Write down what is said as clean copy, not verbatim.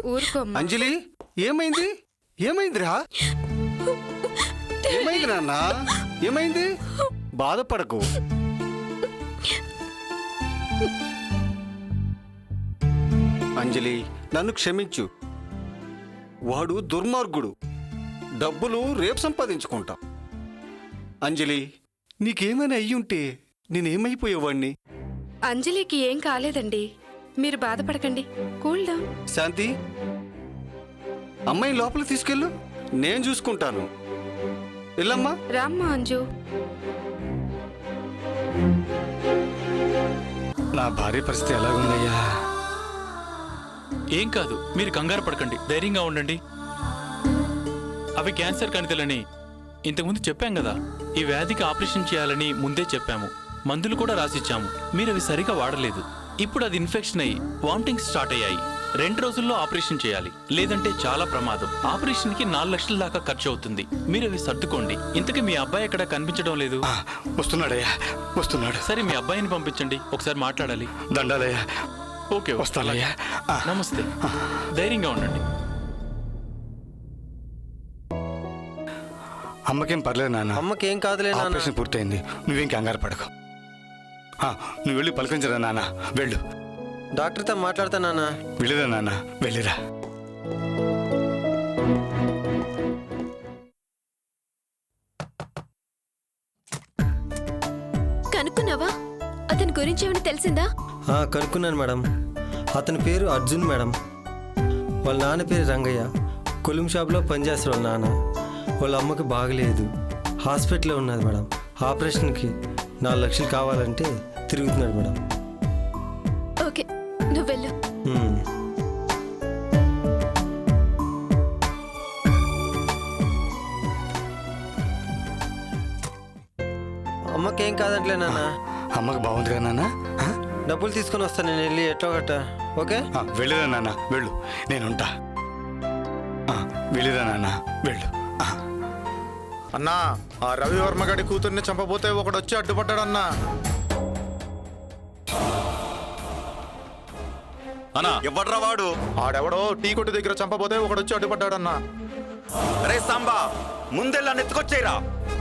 ఊరుకోమ్మా. అంజలి ఏమైంది? ఏమైందిరా? ఏమైంది నాన్న? ఏమైంది? బాధపడకు. అంజలి నన్ను క్షమించు. వాడు దుర్మార్గుడు. డబ్బులు రేపు సంపాదించుకుంటాం. అంజలి నీకేమైనా అయ్యుంటే నేనేమైపోయేవాణ్ణి? అంజలికి ఏం కాలేదండి, మీరు బాధపడకండి. Cool down. శాంతి, అమ్మాయిని లోపల తీసుకెళ్ళు, నేను చూసుకుంటాను. వెళ్ళమ్మా. రామ్మా అంజు. నా భార్య పరిస్థితి ఎలాగుందయ్యా? ఏం కాదు, మీరు కంగారు పడకండి, ధైర్యంగా ఉండండి. అవి క్యాన్సర్ కణితులని ఇంతకుముందు చెప్పాం కదా. ఈ వ్యాధికి ఆపరేషన్ చేయాలని ముందే చెప్పాము. మందులు కూడా రాసిచ్చాము. మీరు అవి సరిగా వాడలేదు. ఇప్పుడు అది ఇన్ఫెక్షన్ అయ్యి వామిటింగ్స్ స్టార్ట్ అయ్యాయి. 2 రోజుల్లో ఆపరేషన్ చేయాలి, లేదంటే చాలా ప్రమాదం. ఆపరేషన్ కి 4 లక్షల దాకా ఖర్చు అవుతుంది. మీరు అవి సర్దుకోండి. ఇంతకీ మీ అబ్బాయి ఎక్కడ కనిపించడం లేదు? వస్తున్నాడయ్యా, వస్తున్నాడు. సరే, మీ అబ్బాయిని పంపించండి, ఒకసారి మాట్లాడాలి. దండాలయ్యా. ఓకే, వస్తానయ్యా. నమస్తే, ధైర్యంగా ఉండండి. అమ్మకేం పర్లేదు నాన్న. అమ్మకేం కాదులే నాన్న. ఆపరేషన్ పూర్తయింది, నువ్వేం కంగారు పడకు. నువ్వు వెళ్ళి పలకరించరా నాన్న. వెళ్ళు. డాక్టర్తో మాట్లాడతా నాన్న. వెళ్ళిరా నాన్న, వెళ్ళిరా. కనుక్కున్నావా? అతని గురించి ఏమైనా తెలిసిందా? కనుక్కున్నాను మేడం. అతని పేరు అర్జున్ మేడం. వాళ్ళ నాన్న పేరు రంగయ్య. కొలుం షాప్లో పనిచేస్తారు వాళ్ళ నాన్న. వాళ్ళ అమ్మకి బాగలేదు, హాస్పిటల్లో ఉన్నది మేడం. ఆపరేషన్కి 4 లక్షలు కావాలంటే తిరుగుతున్నాడు మేడం. ఓకే, నువ్వు వెళ్ళు. అమ్మకేం కాదంటలే నాన్న. అమ్మకి బాగుందిరా నాన్న. డబ్బులు తీసుకొని వస్తాను నేను వెళ్ళి ఎట్టో గట్ట. ఓకే, వెళ్ళిరా నాన్న, వెళ్ళు, నేనుంటా. వెళ్ళిరా నాన్న, వెళ్ళు. అన్నా, ఆ రవివర్మ గడి కూతుర్ని చంపబోతే ఒకడు వచ్చి అడ్డుపడ్డాడన్నా. అన్నా, ఎవడ్రా వాడు? ఆడెవడో టీ కొట్టు దగ్గర చంపబోతే ఒకడు వచ్చి అడ్డుపడ్డాడన్నా. అరే సాంబా, ముందెల్లా నెత్తుకొచ్చేరా.